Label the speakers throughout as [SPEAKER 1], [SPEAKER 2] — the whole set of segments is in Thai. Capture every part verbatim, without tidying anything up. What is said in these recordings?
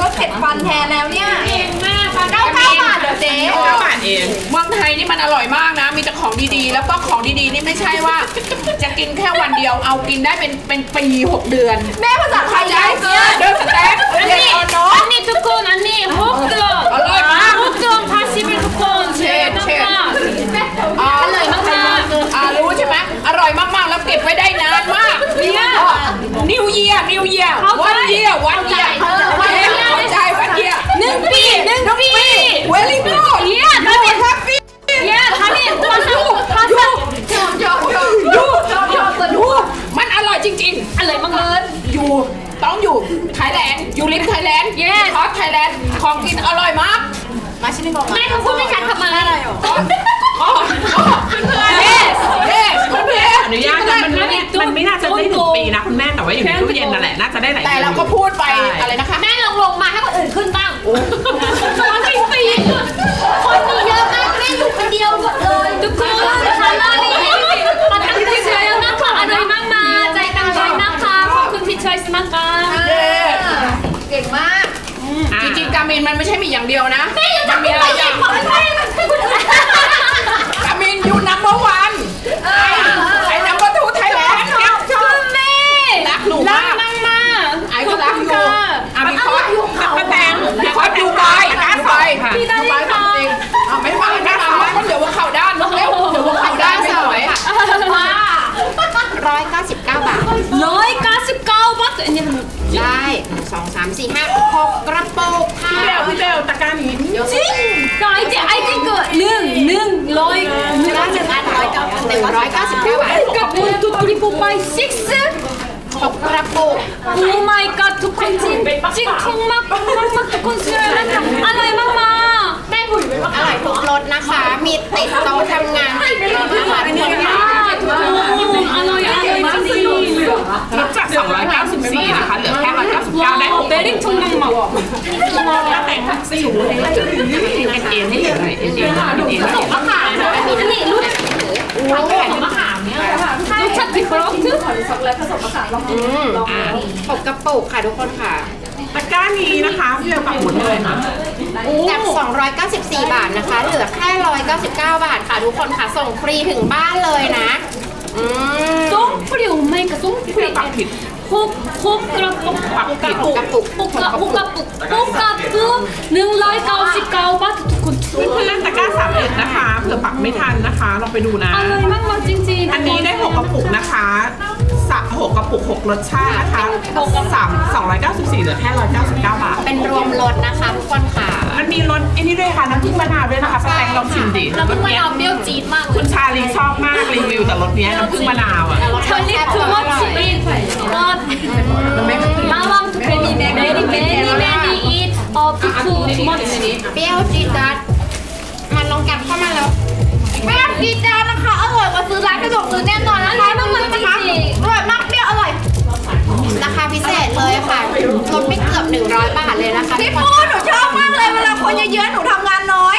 [SPEAKER 1] ก็เผ็ดฟันแทนแล้วเนี่ย
[SPEAKER 2] เองมากฟัง
[SPEAKER 1] เก้าเก้าบาทเดี๋ยวเจ๊
[SPEAKER 3] เก้าบาทเองเมืองไทยนี่มันอร่อยมากนะ มีแต่ของดีๆ แล้วก็ของดีๆนี่ไม่ใช่ว่า จะกินแค่วันเดียวเอากินได้เป็นเป็นปีหกเดือน
[SPEAKER 1] แม่ภาษาไทย
[SPEAKER 3] ใจ
[SPEAKER 1] ยาวเกิน
[SPEAKER 3] เดินสเต็ก
[SPEAKER 2] อัน
[SPEAKER 3] เรียน
[SPEAKER 2] นี้
[SPEAKER 3] ออนเนาะ
[SPEAKER 2] อันนี้ทุกคนอันนี้หกเดือน
[SPEAKER 3] อร่อยมาก
[SPEAKER 2] หกเดือนพาชิเป็นทุกคนเชฟมาก
[SPEAKER 3] อ๋อ
[SPEAKER 2] อร่อยมาก
[SPEAKER 3] อ่ารู้ใช่ไหมอร่อยมากๆแล้วเก็บไว้ได้นานมาก
[SPEAKER 2] เนี่ย
[SPEAKER 3] นิวเยียร์นิวเยียร์
[SPEAKER 2] เข้าใจ
[SPEAKER 3] วันเยียร์วันเยียร์
[SPEAKER 2] เข้าใจ
[SPEAKER 3] เข้าใจวันเยียร์
[SPEAKER 2] หนึ่งปีหนึ่งปี
[SPEAKER 3] เวลี่กูด
[SPEAKER 2] เยี่ยม
[SPEAKER 3] ยูแฮปปี้
[SPEAKER 2] เยี่ยมทำนี่ภาษาภาษา
[SPEAKER 1] ชอบชอบชอบ
[SPEAKER 3] ยู
[SPEAKER 1] ชอบชอบสนุก
[SPEAKER 3] มันอร่อยจริง
[SPEAKER 2] อร่อยมากเลย
[SPEAKER 3] ๆ อยู่ต้องอยู่ไทยแลนด์อยู่ริมไทยแลนด์
[SPEAKER 2] Yes
[SPEAKER 3] คอสไทยแลนด์ของกินอร่อยมาก
[SPEAKER 1] มาชิมก่อน
[SPEAKER 2] แม่ทำพูดไม่ชัดทำไม
[SPEAKER 1] อะไรหรอ
[SPEAKER 3] อ๋อเพื่อนๆเยสเยสเพื่อน
[SPEAKER 4] อนุญาตนะมันไม่มันไม่น่าจะได้ถึงปีนะคุณแม่แต่ว่าอยู่ในตู้เย็นนั่นแหละน่าจะได้หลาย
[SPEAKER 3] ๆแต่
[SPEAKER 4] เดือน
[SPEAKER 3] เราก็พูดไปอะไรนะคะ
[SPEAKER 2] แม่ลงลงมาให้คนอื่นขึ้นบ้างคนที่สี่คนมีเยอะมากแม่อยู่คนเดียวหมดเลยทุกคนทานอะไรปัตตังที่เชยนะคะอร่อยมากมาใจตั้งใจนะคะขอบคุณที่ช่วยสมัครกัน
[SPEAKER 3] เย้
[SPEAKER 1] เก่งมาก
[SPEAKER 3] จริงๆกามินมันไม่ใช่มีอย่างเดียวนะ
[SPEAKER 2] แม่ยัง
[SPEAKER 3] มัน
[SPEAKER 2] ทำ
[SPEAKER 3] มี
[SPEAKER 2] ไม่
[SPEAKER 3] หลาย
[SPEAKER 2] ได้
[SPEAKER 3] อย่าง
[SPEAKER 2] บอกไม่ได้ให้คนอื่น
[SPEAKER 3] กามินยูนัมเบอร์วันไอ้นัมเบอร์ทูไทยแลนด์
[SPEAKER 2] คุณแม่
[SPEAKER 3] รักหนู
[SPEAKER 2] รั
[SPEAKER 3] มาก
[SPEAKER 2] มากมาก
[SPEAKER 3] ไอ้ก็รักอยู่อ่ะมีคอสป้าแตงมีคอสดูไบดูไบดูไบทำจริงอ่ะไม่มาไม่มาก็เดี๋ยวว่าเข่าด้านเร็วเดี๋ยวว่าเข่าด้านไม่สวย
[SPEAKER 2] ว้า
[SPEAKER 1] ร้อยเก้าสิบเก้าบาท
[SPEAKER 2] ร้อยเก้าสิบเก้าบาทอันนี้มัน
[SPEAKER 1] ได้สองสามสี่ห้าหกกระปุกค่ะ
[SPEAKER 4] พี่เบลพี่เบลตะกร้านี้
[SPEAKER 2] จริงก็ไอ้ที่ไอ้ที่เกิดหนึ่งหนึ่งร้อยหนึ่ง
[SPEAKER 1] ร้อยสิบห้าร้อยเก้าหนึ่งร้อยเก้าสิบเก้าบาท
[SPEAKER 2] กับมูลทุกทีปุ๊บไป six
[SPEAKER 1] หกกระปุก
[SPEAKER 2] Oh my god ทุกคนจริงจริงทุ่งมากมากมากทุกคนสวยนะคะอร่อยมากมากแม่บุ๋ยไปว่า
[SPEAKER 1] อร่อยทุกรสนะคะ มีติดโต๊ะทำงานติดรถนะคะทุกคนค่ะ
[SPEAKER 2] อร่อยอร่อยจริง
[SPEAKER 4] ลดจากสองร้อยเก้าสิบสี่นะคะเหลือแค่หนึ่งร้อยเก้าสิบเก้าได้หก
[SPEAKER 2] เบริ่งทุ่งมังหมอก
[SPEAKER 4] ถ้าแต่งสี่หูเลยเอ็นเอ็นให้เหลือหน่อยเอ็นเอ็นเอ็นเอ็น
[SPEAKER 2] ผสมมะขามอันนี้รู้ผสมมะขามเนี่ยรสชาติดิบรสทึ่
[SPEAKER 1] อืมหกกระปุกค่ะทุกคนค่ะ
[SPEAKER 4] ตะกร้านี้นะคะพี่เบลปักหมุดเลยค่ะ
[SPEAKER 1] จากสองร้อยเก้าสิบสี่บาทนะคะ เหลือแค่หนึ่งร้อยเก้าสิบเก้าบาทค่ะทุกคนค่ะ ส่งฟรีถึงบ้านเลยนะ อืม
[SPEAKER 2] ส้มฟรีไหมกับส้มฟรี
[SPEAKER 4] ปักผิด
[SPEAKER 2] คุกคุกกระปุก
[SPEAKER 4] ปักผิด
[SPEAKER 1] กระปุก
[SPEAKER 2] ปุกกระปุกกระปุกปุกกระปุกหนึ่งร้อยเก้าสิบเก้าบาททุกคน
[SPEAKER 4] เพื่อนๆตะกร้าสามเอ็ดนะคะเผื่อปักไม่ทันนะคะลองไปดูนะ
[SPEAKER 2] อร่อยมากมากจริงๆ
[SPEAKER 4] อันนี้ได้หกกระปุกนะคะสะหกกระปุกหกรสชาตินะคะสามสองร้อยเก้าสิบสี่เหลือแค่ร้อยเก้าสิบเก้าบาท
[SPEAKER 1] เป็นรวมรสนะคะทุกคนค่ะ
[SPEAKER 4] มันมีรสไอ้นี่ด้วยค่ะน้ำผึ้งมะนาวด้วยนะคะป้าแตงลองชิมดิ
[SPEAKER 2] แล้วมันไม่เอาเปรี้ยวจี๊ดมากเล
[SPEAKER 4] คุ
[SPEAKER 2] ย
[SPEAKER 4] ณชาลีชอบมากรีวิวแต่รสเนี้ยน้ำผึ้งมะนาวอ่ะ
[SPEAKER 2] เธอนี่คือว่าชีวิตรอดระวังทุกคนมีแมรี่แมรี่แมรี่อีทออฟทูมัช
[SPEAKER 1] เปรี้ยวจี๊ดจ๊าดมันลองกัดเข้ามาแล้วเปรี้ยวจี๊ดจ๊าดนะคะ อร่อยกว่าซื้อร้านกระจกซื้อแน่นอนนะคะ
[SPEAKER 2] อร่อยมากๆจริงๆ
[SPEAKER 1] อร่อยมากเปรี้ยวอร่อย ราคาพิเศษเลยค่ะลดไม่เกือบหนึ่งร้อยบาทเลยนะคะพี่ปูหนูชอบมากเลยเวลาคนเยอะๆหนูทำงานน้อย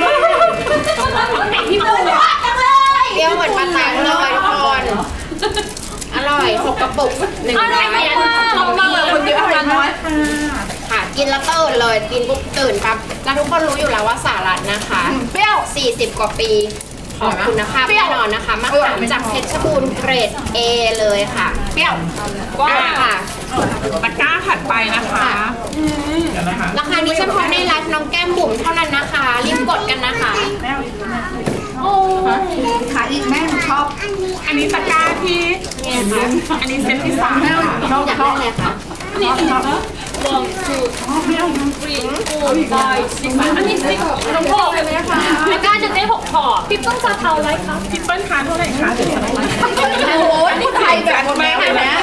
[SPEAKER 2] พี่ปู
[SPEAKER 1] จังเลยเปรี้ยวเหมือนปลาแตงเลยทุกคนอร่อยหกกระปุกหนึ่ง
[SPEAKER 2] อ
[SPEAKER 1] ร้
[SPEAKER 2] ร่
[SPEAKER 1] อ
[SPEAKER 2] อย ยมาก
[SPEAKER 1] ชอบมากเลยคนเยอะทำงานน้อย ค่ะกินแล้วตื่นเลยกินปุ๊บตื่นปั๊บแล้วทุกคนรู้อยู่แล้วว่าสาลัดนะคะเปรี้ยวสี่สิบกว่าปีของคุณภาพแน่นอนนะคะมะขามจากเพชรบูรณ์เกรด A เลยค่ะเปรี้ยวว้าวค่ะ
[SPEAKER 4] ตะกร้าถัดไปนะคะเดี๋ยวนะคะ
[SPEAKER 1] ราคานี้เฉพาะในไลฟ์น้องแก้มบุ๋มเท่านั้นนะคะรีบกดกันนะคะ
[SPEAKER 5] ขายอีกแม่หนูชอบ
[SPEAKER 4] อันนี้ตะกร้าที่อันนี้เซตที่สามค่ะ
[SPEAKER 1] อยากได้เลยค่ะ
[SPEAKER 2] one two three four five six อันนี้สิบหกพอเลยนะคะไม่กล้าจะได้หกพอพี่ต้องจะเท่าไรคะ
[SPEAKER 4] ทิปเปิลคาร์เท่าไหร่คะเดี๋ยวจะได้
[SPEAKER 1] โอ้โหนี่ไทยแบบแม่เลยนะ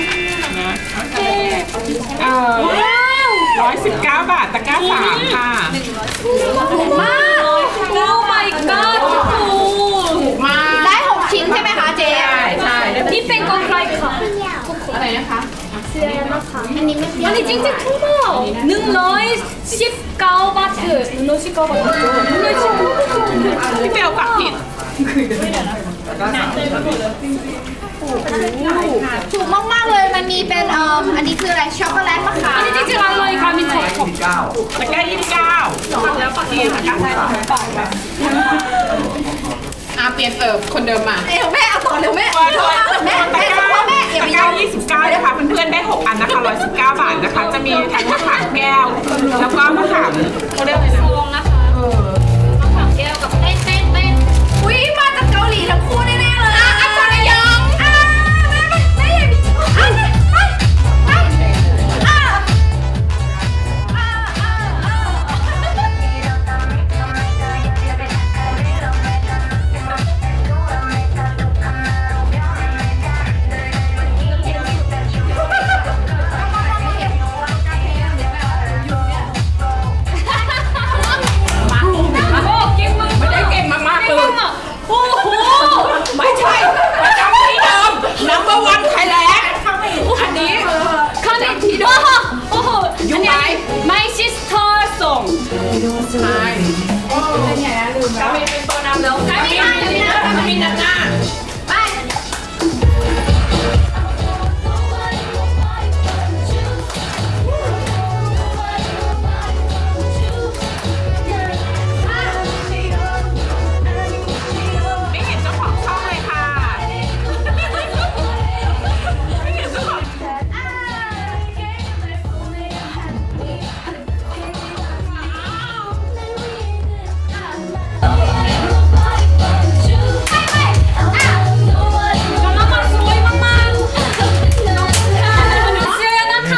[SPEAKER 4] เอ่อร้อยสิบเก้าบาทตะกร้าสามค่ะ
[SPEAKER 2] ถูกมาก Oh my god ถูก
[SPEAKER 1] มา ได้หกชิ้นใช่ไหมคะเจ๊
[SPEAKER 4] ใช่ใช่
[SPEAKER 2] ที่เป็นกองไกลค่ะ
[SPEAKER 3] อะไรนะคะ
[SPEAKER 1] อันนี้ไม่เปรี้ยว
[SPEAKER 2] อันนี้จริงๆถูกมากหนึ่งร้อยสิบเก้าบาทหนึ่งร้อยสิบเก้าบาทหนึ่งร้อยสิบเก้าบาท
[SPEAKER 4] พี่เบลปักผิด
[SPEAKER 1] ถูกมากๆเลยมันมีเป็นเอ่ออันนี้คืออะไรช็อกโกแลตมะขาม
[SPEAKER 2] อันนี้จริงๆอร่อยค่ะมีถั่วขอบ
[SPEAKER 4] ตะกร้ายี่สิบเก้าแล้วปักที่ตะกร้าสาม
[SPEAKER 3] อาเปลี่ยนเอิบคนเดิมมา
[SPEAKER 1] เร็วแม่เอาต่อเร็วแม่
[SPEAKER 4] ตัวตัว
[SPEAKER 1] แม่
[SPEAKER 4] ตะ
[SPEAKER 1] แม่
[SPEAKER 4] กร้า
[SPEAKER 1] พ่อแม่อย่า
[SPEAKER 4] ตะ
[SPEAKER 1] ไป
[SPEAKER 4] ก
[SPEAKER 1] ย
[SPEAKER 4] ร้า
[SPEAKER 1] อม
[SPEAKER 4] ยี่สิบเก้านะคะเพื่อนๆได้หกอันนะคะร้อยสิบเก้าบาทนะคะ จะมีทั้งมะขามแก้ว แล้วก็มะขามเขาเรียกอะไรนะ
[SPEAKER 2] ลงนะคะมะขามแก้วกับเต้นเต้นเต้น
[SPEAKER 1] อุ้ยมาจากเกาหลีทั้งคู่แน่ๆเลยอ่ะอันซอนยองอ่ะแม่แม่แม่อย่าอ่ะไปไปอ่ะอ่ะอ่ะ
[SPEAKER 2] โอ้เก่งมาก
[SPEAKER 3] ไม่ได้เก่งมากๆเลย
[SPEAKER 2] โอ้โห
[SPEAKER 3] ไม่ใช่ประจำที่เดิม number one Thailand อันนี้
[SPEAKER 2] คาเมนทีโดโอ้โห
[SPEAKER 3] อยู่ไหน
[SPEAKER 2] My sister song
[SPEAKER 3] ใช่กามินเป็นตัวนำแล้วกามินกามินกามินนำหน้า
[SPEAKER 4] ไม่เห็นเจ้าของช่องเลยค่ะ ไม่เห็นเจ้าของ
[SPEAKER 2] กำลังมาสวยมากๆเสื้อนะคะ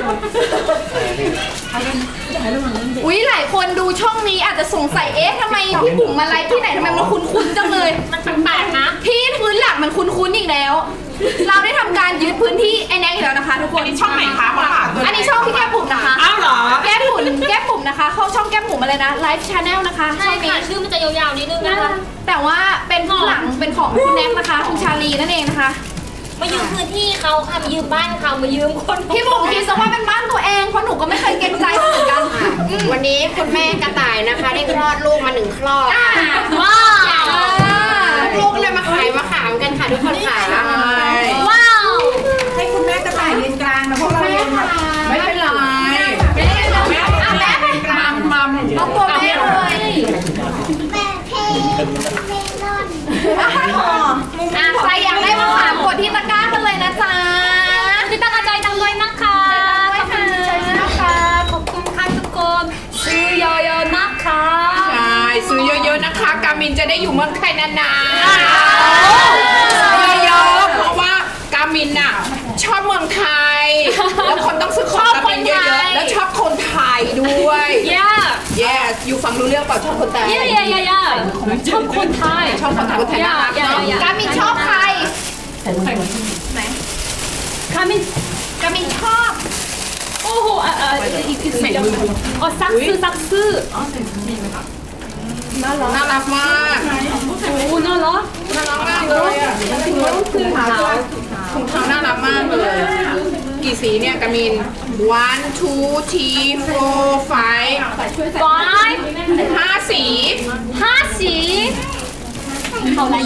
[SPEAKER 1] อุ๊ยหลายคนดูช่องนี้อาจจะสงสัยเอ๊ะทำไมพี่บุ๋มมาไลฟ์ที่ไหนทำไมมันคุ้นๆจังเลย
[SPEAKER 2] มันแปลกๆนะ
[SPEAKER 1] ที่พื้นหลังมันคุ้นๆอีกแล้ว เราได้ทำการยึดพื้นที่ไอ้แน็กอีกแล้วนะคะทุกคน
[SPEAKER 4] อันนี้ช่องไหนคะมาค่ะ
[SPEAKER 1] อันนี้ช่องพี่แก้มบุ๋มนะคะ
[SPEAKER 4] อ้าวเหรอ
[SPEAKER 1] แก้มบุ๋มแก้มบุ๋มนะคะ เข้าช่องแก้มบุ๋มมาเลยนะไลฟ์ชาแนลนะคะ
[SPEAKER 2] ใช่
[SPEAKER 1] ช่องนี้
[SPEAKER 2] ค่ะชื่อมันจะยาวๆนิดนึงนะคะ
[SPEAKER 1] แต่ว่าเป็นพื้นหลังเป็นของคุณแน็กนะคะคุณชาลีนั่นเองนะคะ
[SPEAKER 2] มายืมพื้นที่เขาค่ะมายืมบ้านเขามายืมคน
[SPEAKER 1] พี่บุ๋มคิดซะว่าเป็นบ้านตัวเองเพราะหนูก็ไม่เคยเกรงใจเหมือนกัน
[SPEAKER 6] วันนี้คุณแม่กระต่ายนะคะ ได้คลอดลูกมาหนึ่งคลอดค่ะ
[SPEAKER 2] ว้าว
[SPEAKER 6] ลูกก็เลยมาขายมะขามกันค่ะทุกคนค่ะ
[SPEAKER 2] ว้าว
[SPEAKER 5] ให้คุณแม่กระต่ายยืนกลางนะพวกเรายืนแบบ
[SPEAKER 3] ไม่เป็นไร
[SPEAKER 1] แม่แม่แม่
[SPEAKER 3] มัมมัม
[SPEAKER 1] เอาตัวแม่เลย อ่ะใครอยากได้มะขามกดที่ตะกร้ากันเลยนะจ๊ะ
[SPEAKER 2] พี่ตากระจายตังด้วยนะคะขอบคุณนะคะขอบคุณค่ะทุกคนซื้อเยอะๆนะคะ
[SPEAKER 3] ใช่ซื้อเยอะๆนะคะ กามินจะได้อยู่เมืองไทยนานๆซื้อเยอะๆเพราะว่ากามินน่ะชอบเมืองไทย แล้วคนต้องซื้อของกามินเยอะๆ แล้วชอบคนไทยด้วย
[SPEAKER 2] yeah
[SPEAKER 3] yes อยู่ฟังรู้เรื่องเปล่าชอบคนไทย
[SPEAKER 2] yeah yeah yeah yeah ชอบคนไทย
[SPEAKER 3] ชอบคนไทยคนไทยน่ารัก
[SPEAKER 2] อย่า
[SPEAKER 3] เนาะ
[SPEAKER 2] อย่า
[SPEAKER 1] กามินชอบใคร
[SPEAKER 2] คามิน
[SPEAKER 1] กามินชอบ
[SPEAKER 2] โอ้โหอ่ะอ่ะอีกอีกสิ่งอ๋อซักซื้อซักซื้อ
[SPEAKER 3] น่ารักมาก
[SPEAKER 2] โอ้น่ารัก
[SPEAKER 3] น่ารักมากเลยอ่ะ
[SPEAKER 2] ถุงเท้า
[SPEAKER 3] ถุงเท้าน่ารักมากเลย กี่สีเนี่ยกามิน one two three four five
[SPEAKER 2] ไฟ
[SPEAKER 3] ห้าสี
[SPEAKER 2] ห้าสีเขาอะไร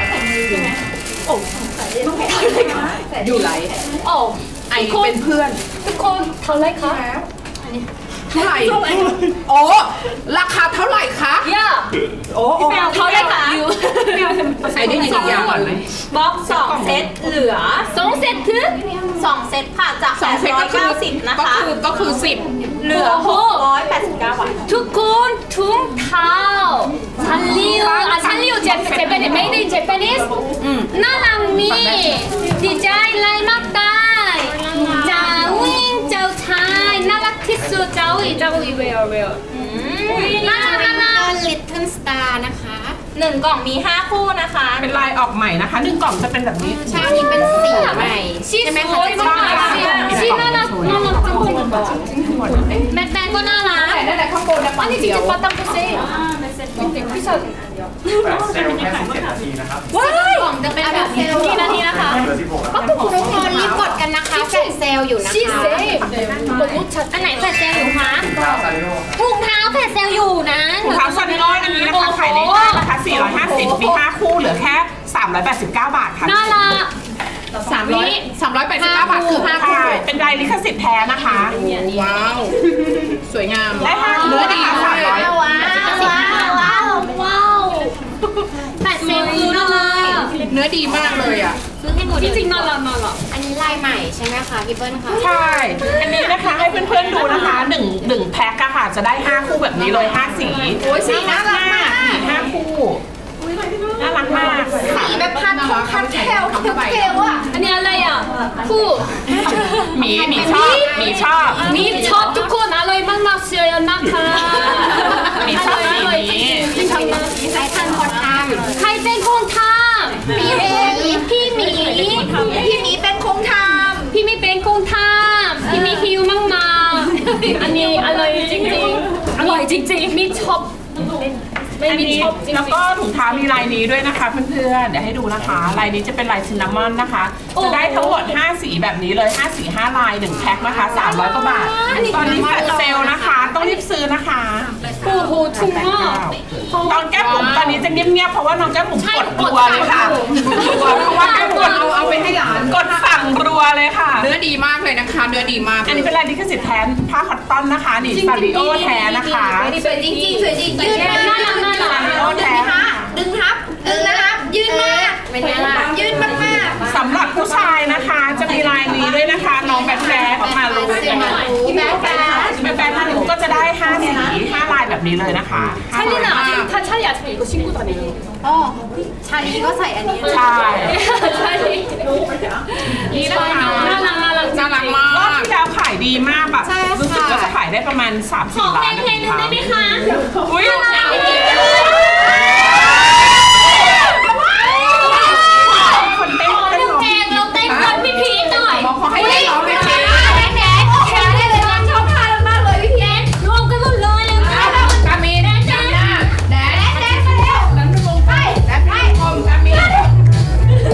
[SPEAKER 3] อยู่ไหล
[SPEAKER 2] โอ้
[SPEAKER 3] ไอเป็นเพื่อน
[SPEAKER 2] ทุกคนเท่าไรคะ
[SPEAKER 3] เท่าไหร่ โอ้ ราคาเท่าไหร่คะ
[SPEAKER 2] ย่า
[SPEAKER 3] โอ้โอ้
[SPEAKER 2] เท่าไรคะ
[SPEAKER 3] ไอได้ยินอีกอย่างก่อนไหม
[SPEAKER 2] บล็อกสองเซตเหลือสองเซตคือ
[SPEAKER 5] สองเซตค่ะจาก
[SPEAKER 3] สองเซตก็คือก็คือก็คือสิบ
[SPEAKER 2] เหลือหกร้อยแปดสิบเก้าบาททุกคนถุงเท้าซันลิวอ่ะซันลิวเจเจแปนิส made in Japanese น่ารักมีดีใจไลน์มากได้เจ้าวิ่งเจ้าชายน่ารักที่สุดเจ้าอีเจ้าอีเวลเวลน่ารักน่ารัก
[SPEAKER 6] ลิตเติ้ลสตาร์นะคะ
[SPEAKER 2] หนึ่งกล่องมีห้าคู่นะคะ
[SPEAKER 4] เป็นลายออกใหม่นะคะหนึ่งกล่องจะเป็นแบบนี้
[SPEAKER 6] ใช่อันนี้เป็นสีใหม่
[SPEAKER 2] ชีส
[SPEAKER 6] ใช่ไหม
[SPEAKER 2] ส
[SPEAKER 6] คะ
[SPEAKER 2] วยมากชีน่ารักน่ารักจังเลยแมทแมนก็น่ารัก
[SPEAKER 3] ได้แต่ข้างบนนะปันเดียว
[SPEAKER 2] ปาตังกุเซ่พี่สด
[SPEAKER 7] แปดเซลล์แค่สิบเจ็ดนาทีนะครับ
[SPEAKER 2] ว้ายกล่องจะเป็นแบบนี้กี่นาทีนะคะ
[SPEAKER 7] เหลือสิบหกแล้ว
[SPEAKER 6] ก็ทุกคนรีบกดกันนะคะแฟลชเซลล์อยู่นะ
[SPEAKER 2] ชี
[SPEAKER 6] คะ
[SPEAKER 2] เซ่ตัวมุดชัดอันไหนแฟดเซลอยู่คะ
[SPEAKER 7] เท้าซาริโอ
[SPEAKER 2] ถุงเท้าแฟดเซลอยู่นะ
[SPEAKER 4] ถุงเท้าซาริโออันนี้นะคะขายในห้างนะคะสี่ร้อยห้าสิบมีห้าคู่เหลือแค่สามร้อยแปดสิบเก้าบาทค่ะ
[SPEAKER 2] น่ารัก
[SPEAKER 3] สามร้อยสามร้อยแปดสิบเก้าบาทคือห้าคู่
[SPEAKER 4] ใช่เป็นลายลิขสิทธิ์แท้นะคะ
[SPEAKER 3] ว้าว สวยวยงาม
[SPEAKER 4] ได้ห้า
[SPEAKER 3] เนื้อดี
[SPEAKER 4] สามร้อย
[SPEAKER 2] ว้าวว้าวว้าวแปดสิบคืออะไร
[SPEAKER 3] เนื้อดีมากเลยอ่ะ
[SPEAKER 2] จริงๆน่ารักน่ารัก
[SPEAKER 1] อันนี้ลายใหม่ใช่ไหมคะพี่เปิ้ลคะ
[SPEAKER 4] ใช่ อันนี้นะคะให้เพื่อนๆดูนะคะหนึ่งหนึ่งแพ็คอะค่ะ จะได้ห้าคู่แบบนี้เลยห้าสี
[SPEAKER 3] โอ้ยสีน่ารักมาก
[SPEAKER 4] มีห้าคู่น่ารักมาก
[SPEAKER 1] สีแบบพันทองพันแคลเทลอ่ะ
[SPEAKER 2] อันนี้อะไรอ่ะคู่
[SPEAKER 4] หมีหมีชอบหมีชอบ
[SPEAKER 2] มีชอบทุกคนอร่อยมากๆเชียร์นะคะ
[SPEAKER 4] มีชอบสีนี้
[SPEAKER 1] ใช้ทันคนท
[SPEAKER 2] ใครเป็นคนทำ
[SPEAKER 1] ำพี่เอง
[SPEAKER 2] พี่หมี
[SPEAKER 1] พี่หมีเป็นคงท
[SPEAKER 2] พี่หมีเป็นคนทำพี่หมีหิวมากๆอันนี้อร่อยจริงๆอร่อยจริงๆมีชอบไม่
[SPEAKER 4] อัน
[SPEAKER 2] มี
[SPEAKER 4] นี้
[SPEAKER 2] ชอบจริงๆ
[SPEAKER 4] แล้วก็ถุงเท้ามีลายนี้ด้วยนะคะเพื่อนๆ เดี๋ยวให้ดูนะคะ ลายนี้จะเป็นลายซินนามอนนะคะ จะได้ทั้งหมดห้าสีแบบนี้เลยห้าสีห้าลายหนึ่งแพ็คนะคะสามร้อยกว่าบาท ตอนนี้แฟลชเซลล์นะคะ ต้องรีบซื้อนะคะ
[SPEAKER 2] โอ้โหถูกมาก
[SPEAKER 4] ตอนแก้มผมตอนนี้จะเงียบๆ เพราะว่าน้องแก้มผมกดรัวเลยค่ะกดรัวเพราะว่าแก้มกด
[SPEAKER 3] เอาเอาไปให้หลาน
[SPEAKER 4] กดสั่งรัวเลยค่ะ
[SPEAKER 3] เนื้อดีมากเลยนะคะ เนื้อดีมาก
[SPEAKER 4] อันนี้เป็นลายลิขสิทธิ์แท้ผ้าคอตตอนนะคะ นี่ซาริโอแท้นะคะ
[SPEAKER 1] ำสวยจริงๆสวยจริงยืดมาก
[SPEAKER 2] น่ารักน่ารั
[SPEAKER 4] ซาก ริโอแท้
[SPEAKER 1] ดึงทับดึงนะครับยืดมากเป็นไงล่ะยืดมากมาก
[SPEAKER 4] สำหรับผู้ชายนะคะ จะมีลายนี้ด้วยนะคะ น้องแบทแบทมาลู
[SPEAKER 1] พี่แบ๊แบ๊
[SPEAKER 4] แบทแบทมาลูก็จะได้ห้าสีห้าลายแบบนี้เลยนะคะห้าลาย
[SPEAKER 2] 찰리는 아직 다 찰리 아직 이거 신고 다니는
[SPEAKER 1] อ๋อชาลีก็ใส่อันนี้
[SPEAKER 4] ใช่
[SPEAKER 2] 찰리
[SPEAKER 4] นี่นะคะ
[SPEAKER 2] 나랑 나랑
[SPEAKER 3] น่ารักมาร
[SPEAKER 4] อบ
[SPEAKER 3] ก
[SPEAKER 4] ที่แล้วขายดีมากแบบรู้สึกว่าจะขายได้ประมาณสามสี่
[SPEAKER 2] 어
[SPEAKER 4] ล้าน
[SPEAKER 2] 팬 팬은
[SPEAKER 4] นะคะ
[SPEAKER 2] 데뷔카
[SPEAKER 4] อุ้ย คนเต้นเต้นร้อง
[SPEAKER 2] 땡 땡 피피 떠이
[SPEAKER 3] บอกเขาให้ได้ร้องไหมคะ
[SPEAKER 2] รวมกันหมดเลยเลย
[SPEAKER 3] กามินจับหน้าแดนแดนมาเร็วแดนลงไปแดนไปอมกามิน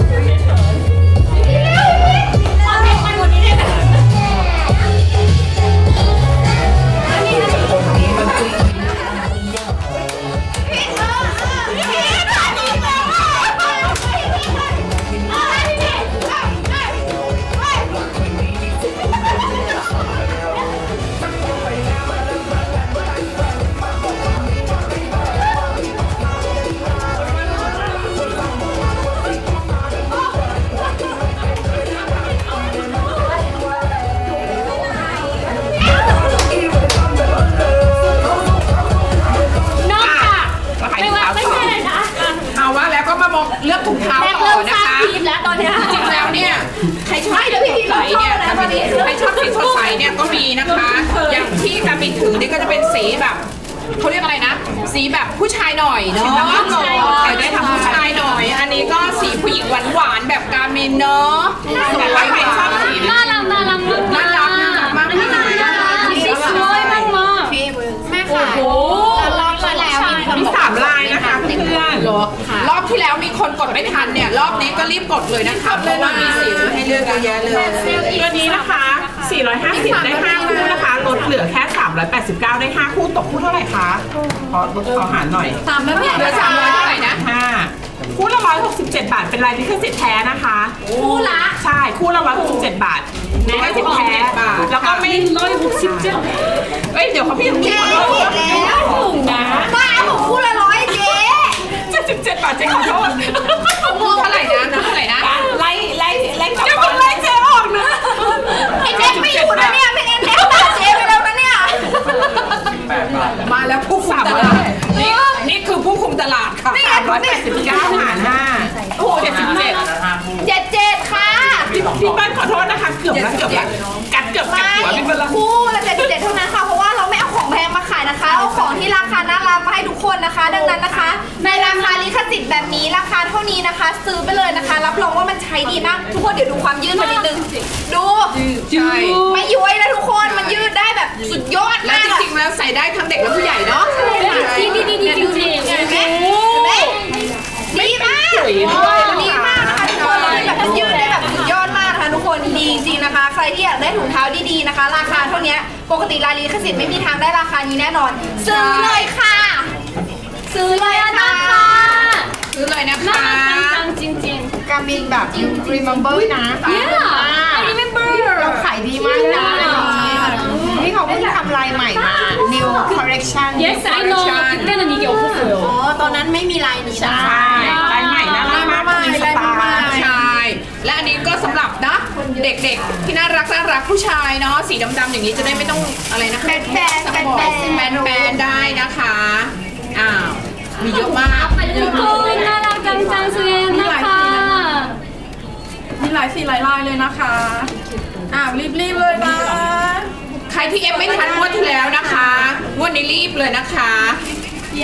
[SPEAKER 2] นอกจาก
[SPEAKER 4] มาขาย
[SPEAKER 2] ไม่
[SPEAKER 4] ถุง
[SPEAKER 2] ว่า
[SPEAKER 4] เท้า
[SPEAKER 2] ไม่
[SPEAKER 4] ต่อ
[SPEAKER 2] ใช่เลยนะ
[SPEAKER 3] เอาว่าแล้วก็มามองเลือกถุงเท้า
[SPEAKER 2] แม็ก
[SPEAKER 3] ต่อ
[SPEAKER 2] เริ่ม
[SPEAKER 3] นะ
[SPEAKER 2] สร้าง
[SPEAKER 3] คะ
[SPEAKER 2] ทีมแล้วตอนเนี้ย
[SPEAKER 3] จริงแล้วเนี่ยใครชอบสีสดใสเนี่ยกามินใครชอบสีสดใสเนี่ยก็มีนะคะ อย่างที่กามินถือนี่ก็จะเป็นสีแบบเขาเรียกอะไรนะ สีแบบผู้ชายหน่อยเนาะแต่ได้ทำผู้ชายหน่อย อันนี้ก็สีผู้หญิงหวานๆแบบกามินเนาะสวย
[SPEAKER 4] ใครชอบสี
[SPEAKER 2] น่ารักน่ารัก
[SPEAKER 3] น่ารักน่ารักมาก
[SPEAKER 2] อันนี้น่ารักสีสวยมากมาก
[SPEAKER 1] แม่ค่ะแล้วรอบที่แล้วมีคน
[SPEAKER 4] มี
[SPEAKER 1] บอก
[SPEAKER 4] สามลายนะคะเพื่อน
[SPEAKER 3] รอบที่แล้วมีคนกดไม่ทันเนี่ย รอบนี้ก็รีบกดเลยนะคะเพราะว่ามีสีให้เลือกเยอะแยะเลย
[SPEAKER 4] ตัวนี้นะคะ สี่ร้อยห้าสิบ ได้ห้าคู่นะคะ ลดเหลือแค่ สามร้อยแปดสิบเก้า ได้ห้าคู่ตกคู่เท่าไหร่คะขอลดขอหารหน่อย
[SPEAKER 1] สามแล้วเนี่ย
[SPEAKER 3] เหลือสามร้อยเท่าไหร่นะ
[SPEAKER 4] ห้าคู่ละร้อยหกสิบเจ็ดบาท เป็นลายลิขสิทธิ์แท้นะคะ
[SPEAKER 1] คู่ละ
[SPEAKER 4] ใช่ คู่ละร้อยหกสิบเจ็ดบาทลิขสิทธิ์แท้
[SPEAKER 3] บาท
[SPEAKER 4] แล้วก็ไม่ร้อยหกสิบเจ็ดเอ้ย เดี๋ยวเขาพี่พี่ขอโทษ
[SPEAKER 1] แล้ว
[SPEAKER 4] ถูกนะ
[SPEAKER 1] บ้าผมคู่ละร้อยเจ๊
[SPEAKER 4] เจ็ดสิบเจ็ดบาทเจ๊ขอโทษ
[SPEAKER 3] คู่เท่าไหร่นะเท่าไหร่นะ
[SPEAKER 4] ไล่ไล่ไล่กลับบ้านไล่เจ๊ออกนะ
[SPEAKER 1] ไอ้เจ๊ไม่อยู่นะเนี่ยเป็นเอ็นเอฟด่าเจ๊ไปแล้วนะเนี่ย
[SPEAKER 7] แปดบาท
[SPEAKER 3] มาแล้วผู้คุมตลาดนี่นี่คือผู้คุมตลาดค่ะ
[SPEAKER 4] สามร้อยแปดสิบเก้าหารห้าโอ้เจ็ดสิบเจ็ด
[SPEAKER 7] ห้าคู่
[SPEAKER 1] เจ็ดเจ็ดค่ะ
[SPEAKER 4] พี่พี่เปิ้ลขอโทษนะคะ เกือบแล้วเกือบแล้วกัดเกือบกัดหัวพี่เปิ้ลแล้ว
[SPEAKER 1] คู่ละเจ็ดเจ็ดเท่านั้นค่ะเพราะว่าเราไม่เอาของแพงมาขายนะคะเอาของที่ราคาน่ารักมาให้ทุกคนนะคะ ดังนั้นนะคะ ในราคาลิขสิทธิ์แบบนี้ราคาเท่านี้นะคะ ซื้อไปเลยนะคะ รับรองว่ามันใช้ดีมากทุกคนเดี๋ยวดูความยืดมันนิดนึงดู
[SPEAKER 3] ใช่
[SPEAKER 1] ไม่ย้วยนะทุกคนมันยืดได้แบบสุดยอด
[SPEAKER 3] และ
[SPEAKER 1] มาก
[SPEAKER 3] จริงๆแล้วใส่ได้ทั้งเด็กและผู้ใหญ่เนาะ
[SPEAKER 2] ดีดีดีดีจริง
[SPEAKER 1] เห็นไหมเห็นไหมดีมากดีมากนะคะทุกคนเลยแบบมันยืดได้แบบสุดยอดมากนะคะทุกคนดีจริงๆนะคะ ใครที่อยากได้ถุงเท้าดีๆนะคะ ราคาเท่านี้ปกติลายลิขสิทธิ์ไม่มีทางได้ราคานี้แน่นอน ซื้อเลยค่ะ ซื้อเลยค่ะ
[SPEAKER 3] ซื้อเลยนะ
[SPEAKER 2] น่า
[SPEAKER 3] คะ
[SPEAKER 2] รักจังจริงจริง
[SPEAKER 1] การบินแบบ remember นะ
[SPEAKER 2] yeah I remember
[SPEAKER 1] เราขายดีมากนะนี่เขาเพิ่งทำลายใหม่มา collection
[SPEAKER 2] Yes I know 그때는 이게 없었어요
[SPEAKER 1] อ๋อตอนนั้นไม่มีลายนี้นะ
[SPEAKER 4] ใช่ลายใหม่น่ารักมากมีสไตล์
[SPEAKER 3] ใช่ และอันนี้ก็สำหรับนะเด็กๆที่น่ารักน่ารักผู้ชายเนาะสีดำๆอย่างนี้จะได้ไม่ต้องอะไรนะแบนแบนแบนแบนแบนแบนได้นะคะอ้าวมีเยอะมาก
[SPEAKER 2] ทุกคนน่ารักจังจังสวยนะคะ
[SPEAKER 5] มีหลายสีหลายลายเลยนะคะอ้าวรีบๆเลยนะ
[SPEAKER 3] ใครที่เอฟไม่ทันงวดที่แล้วนะคะงวดนี้รีบเลยนะคะ
[SPEAKER 2] 야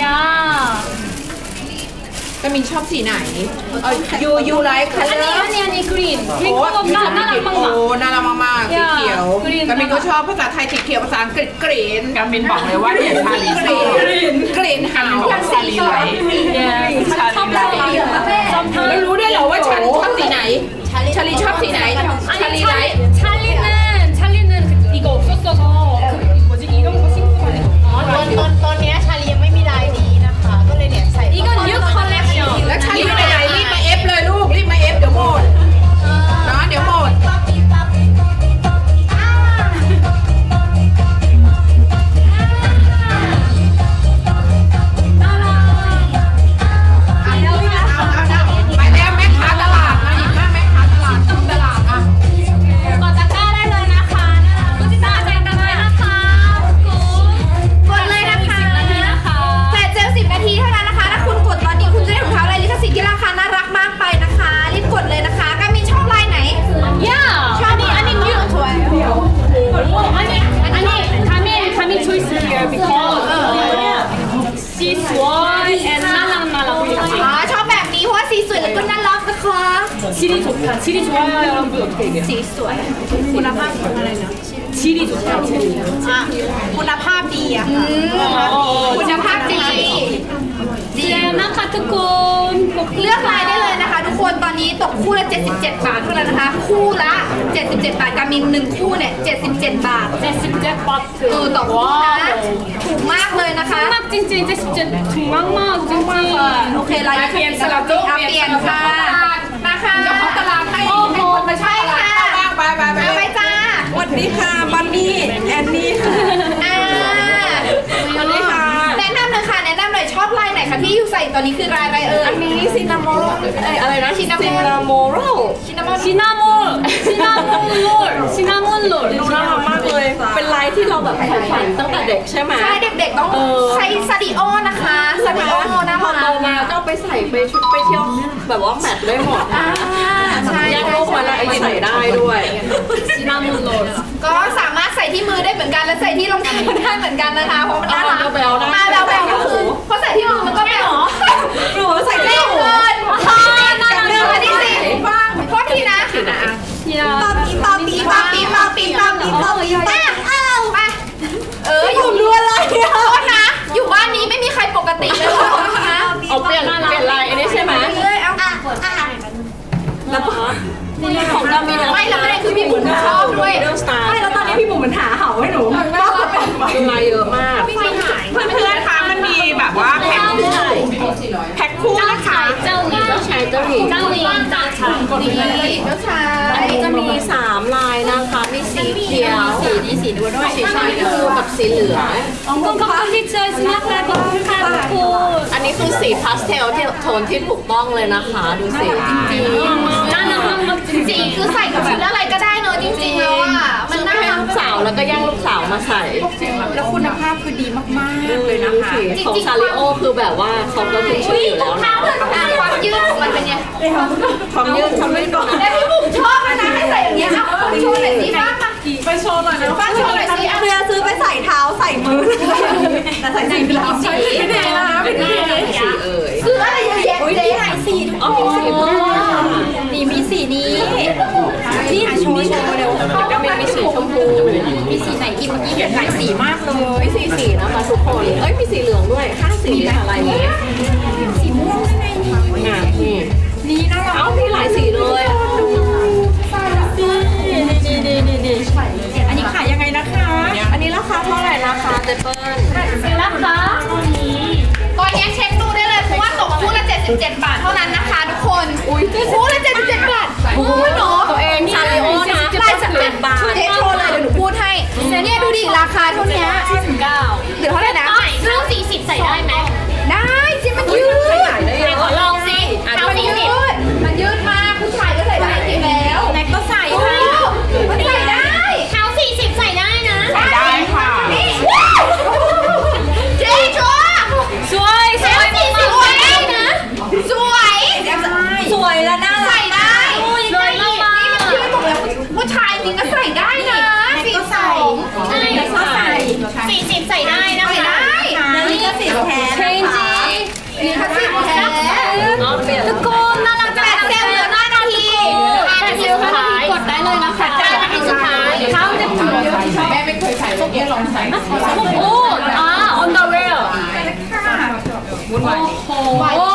[SPEAKER 3] กามินชอบสีไหนยูยูไลท์คัลเลอ
[SPEAKER 2] 아니
[SPEAKER 3] ร์
[SPEAKER 2] 아니 아니 그린 그린 컬러 나 나랑
[SPEAKER 3] โอ้
[SPEAKER 2] 빵빵
[SPEAKER 3] น่ารักมากๆสีเขียว
[SPEAKER 2] กรีน
[SPEAKER 3] กามินก็ชอบภาษาไทยสีเขียวภาษาอังกฤษกรีน
[SPEAKER 4] กามินบอกเลยว่าเนี่ยชาลี
[SPEAKER 3] ก
[SPEAKER 4] ช
[SPEAKER 3] รี
[SPEAKER 4] อบ
[SPEAKER 3] นกรีนหาว
[SPEAKER 4] บอกว่าชาลีไลท์
[SPEAKER 2] 예
[SPEAKER 4] ชาลีไลท์
[SPEAKER 3] แล้วรู้ได้เหรอว่าชาลีชอบสีไหน ชาลีชอบสีไหน ชาลี
[SPEAKER 2] 아니
[SPEAKER 3] ไลท์
[SPEAKER 2] 찰리, 찰리는 찰리는 그- 이거 없었어서 그 뭐지 이런 거 신고 가는
[SPEAKER 1] อ๋อตอนตอนตอนเนี้ยชาลียังไม่มีลายนี้นะคะ ก็เลยเนี่ยใส่
[SPEAKER 2] 이건 뉴 컬렉션
[SPEAKER 3] แล้วชาลีไปไหนรีบมาเอฟเลยลูก รีบมาเอฟเดี๋ยวหมดเนาะเดี๋ยวหมด ไปแล้วแม่ค้าตลาดมาหยิบมาแม่ค้าตลาดตลาดอ่ะ
[SPEAKER 2] กดตะกร้าได้เลยนะคะกดติดตามใจกันเลยนะคะคุณ
[SPEAKER 1] กดเลยนะคะ
[SPEAKER 2] สิบนาทีนะคะ
[SPEAKER 1] แปดเจลสิบนาทีเท่านั้นนะคะ ถ้าคุณกดตอนนี้คุณจะได้ถุงเท้าลายลิขสิทธิ์ที่ราคาน่ารักมากไปนะคะ รีบกดเลยนะคะกามินชอบลายไหน
[SPEAKER 2] 야 아니 아니 뉴
[SPEAKER 1] สวย
[SPEAKER 2] 아니 아니 가민 가민 choice here because she's white and 말랑말랑
[SPEAKER 1] อ๋อ
[SPEAKER 2] 보이지
[SPEAKER 1] ชอบแบบนี้เพราะว่าสีสวยแล้วก็น่ารักนะคะ
[SPEAKER 2] 질이 좋다 질이 좋아요 여러분 어떻게 얘기해요
[SPEAKER 1] สีสวย คุณภาพอะไรนะ
[SPEAKER 2] 질이 좋다 질이
[SPEAKER 1] อ่ะคุณภาพดีอะค่ะคุณภาพดีดี
[SPEAKER 2] 네นะคะทุกคน
[SPEAKER 1] เลือกลายได้เลยนะคะ ทุกคนตอนนี้ตกคู่ละ เจ็ดสิบเจ็ด บาทเท่านั้นนะคะ คู่ละ เจ็ดสิบเจ็ด บาทกามินหนึ่งคู่เนี่ย เจ็ดสิบเจ็ด บาท
[SPEAKER 2] 제십제
[SPEAKER 1] เออ
[SPEAKER 2] 바트
[SPEAKER 1] ต่อคู่นะถูกมากเลยนะคะ
[SPEAKER 2] 막 찡찡 제십제 정말막 찡찡
[SPEAKER 1] โอเคลาย
[SPEAKER 3] เปลี่ยนสลับลูก
[SPEAKER 1] อ่ะเปลี่ยนค่ะมาค่ะ
[SPEAKER 3] เจ้าของตลาดให้ให้คนมาเช่าตลาดเข้าบ้างไปไปไป
[SPEAKER 1] เอาไปจ้า
[SPEAKER 5] สวัสดีค่ะบันนี่แอนนี่ค่ะ
[SPEAKER 1] อ่า
[SPEAKER 5] สวัสดีค่ะ
[SPEAKER 1] แนะนำหน่อยค่ะแนะนำหน่อยชอบลายไหนคะที่อยู่ใส่ตอนนี้คือลายอะไรเอ่ย
[SPEAKER 5] อันนี้ซินนามอลอะไรนะ
[SPEAKER 1] ชินามอน
[SPEAKER 5] ซินนามอล
[SPEAKER 1] ชินามอน
[SPEAKER 2] 시나몬 시나몬 롤 시나몬 롤
[SPEAKER 5] ดูน่ารักมากเลย เป็นลายที่เราแบบใฝ่ฝันตั้งแต่เด็กใช่ไหม
[SPEAKER 1] ใช่เด็กๆต้องใช้ซาดิโอนะคะซาดิโอนะ
[SPEAKER 5] พอ
[SPEAKER 1] คะ
[SPEAKER 5] โตมาก็ไปใส่ไปชุดไปเที่ยวแบบว่าแมทได้หมด
[SPEAKER 1] อ่าใช่
[SPEAKER 5] แยก
[SPEAKER 1] ใช่
[SPEAKER 5] โลกมาแล้วไอ้ใส่ได้ด้วย
[SPEAKER 2] 시나몬 롤
[SPEAKER 1] ก็สามารถใส่ที่มือได้เหมือนกันและใส่ที่รองเท้าได้เหมือนกันนะคะเพราะมันน่ารัก
[SPEAKER 5] เอาแบวๆได้
[SPEAKER 1] มาแบวแบวก็คือเพราะใส่ที่มือมันก็แบว
[SPEAKER 5] หนูใส่
[SPEAKER 1] เล่
[SPEAKER 5] ได้
[SPEAKER 1] น
[SPEAKER 5] หนู
[SPEAKER 1] เกินหนึ่งอันที่สี่ฟังโทษทีนะ
[SPEAKER 2] 야
[SPEAKER 1] ปาปีปาปีปาปีปาปีปาปีปาปีปาอ้าวไปเอออยู่รัวเลยโทษนะอยู่บ้านนี้ไม่มีใครปกติเลยนะคะ
[SPEAKER 5] เอาเปลี่ยนเปลี่ยนลายอันนี้ใช่ไหม
[SPEAKER 1] เลยเอาอ่ะอ่ะ
[SPEAKER 5] แล้วก็ของเรามี
[SPEAKER 1] ไม่แล้วประเด็นคือพี่บุ๋มชอบด้วย
[SPEAKER 5] เรื่องสไตล์
[SPEAKER 1] ไม่แล้วตอนนี้พี่บุ๋มมันหาเห่าให้หนูก็เป็น
[SPEAKER 5] เป็นลายเยอะมาก
[SPEAKER 1] พี่หาย
[SPEAKER 4] เพื่อนๆคะมันมีแบบว่าแพ็คคู่แพ็คคู่นะคะ
[SPEAKER 2] 짱이
[SPEAKER 5] ใช้เจ้าหญิง
[SPEAKER 2] 짱이 짱
[SPEAKER 1] ดีเจ้าชาย
[SPEAKER 5] อันนี้จะมีสามลายนะคะ มีสีเขียว สีนี้สีดูด้วย สีชมพูกับสีเหลือง
[SPEAKER 2] 엉덩 컴플리트 스마트 컴플리트
[SPEAKER 5] อันนี้คือสีพาสเทลที่โทนที่ถูกต้องเลยนะคะ ดูสีจริง
[SPEAKER 2] 나는 한번
[SPEAKER 1] จริงๆคือใส่กับชุดอะไรก็ได้เนอะจริงๆแล้วอ่ะ
[SPEAKER 5] ๆ
[SPEAKER 1] มัน
[SPEAKER 5] ซื้อ
[SPEAKER 1] น่า
[SPEAKER 5] ให้
[SPEAKER 1] รัก
[SPEAKER 5] ลูกสาวแล้วก็แย่งลูกสาวมาใส่
[SPEAKER 3] แล้วคุณภาพคือดีมากๆเลยนะคะ
[SPEAKER 5] ของซาริโอคือแบบว่าเขาก็ขึ้นชื่ออยู่แล้วนะ
[SPEAKER 1] อ่ะความยืดของมันเป็นไง
[SPEAKER 5] ความยืดความยืดก่อน
[SPEAKER 1] แล้วพี่บุ๋มชอบเลยนะให้ใส่อย่างเงี้ยอ่ะโชว์หน่อยสิบ้างมา
[SPEAKER 5] ไปโชว์หน่อยนะ
[SPEAKER 1] บ้างโชว์หน่อยสิอ่ะ
[SPEAKER 5] เพื่อซื้อไปใส่เท้าใส่มือแต่ใส่สีเราใส่ไม่ได้นะไม่ได้สีเอ่ย
[SPEAKER 1] ซื้ออะไรเยอะแยะเจ๊ไหนสี
[SPEAKER 5] อ๋อมีสีม่วงนี่มีสีนี้นี่โชว์โชว์เร็วก็มีมีสีชมพูมีสีไหนอีกเมื่อกี้เห็นหลายสีมากเลยมีสีสีนะคะทุกคนเอ้ยมีสีเหลืองด้วยห้าสีอะไรนี้สีม่วงไงงามนี่นี่น่ารักเอ้ามีหลายสีเลยนี่นี่นี่นี่อันนี้ขายยังไงนะคะ อันนี้ราคาเท่าไหร่ราคาเจเปิ้ล
[SPEAKER 2] 셀라카
[SPEAKER 1] ตอนนี้เช็คดูได้เลยเพราะว่าตกคู่ละเจ็ดสิบเจ็ด บาทเท่านั้นนะคะทุกคนคู่ละเจ็ดสิบเจ็ด บาทโอ้ยเนาะ
[SPEAKER 5] ตัวเองซาริโอนะ
[SPEAKER 1] ลายสัก
[SPEAKER 5] เจ็ดบาท
[SPEAKER 1] เจ๊โชว์เลยเดี๋ยวหนูพูดให้เนี่ยดูดิราคาเท่านี้
[SPEAKER 2] 가
[SPEAKER 1] เหลือเท่าไหร่นะ
[SPEAKER 2] 아 오, 아, 언더웨어.
[SPEAKER 5] วุ่นวาย
[SPEAKER 2] 오,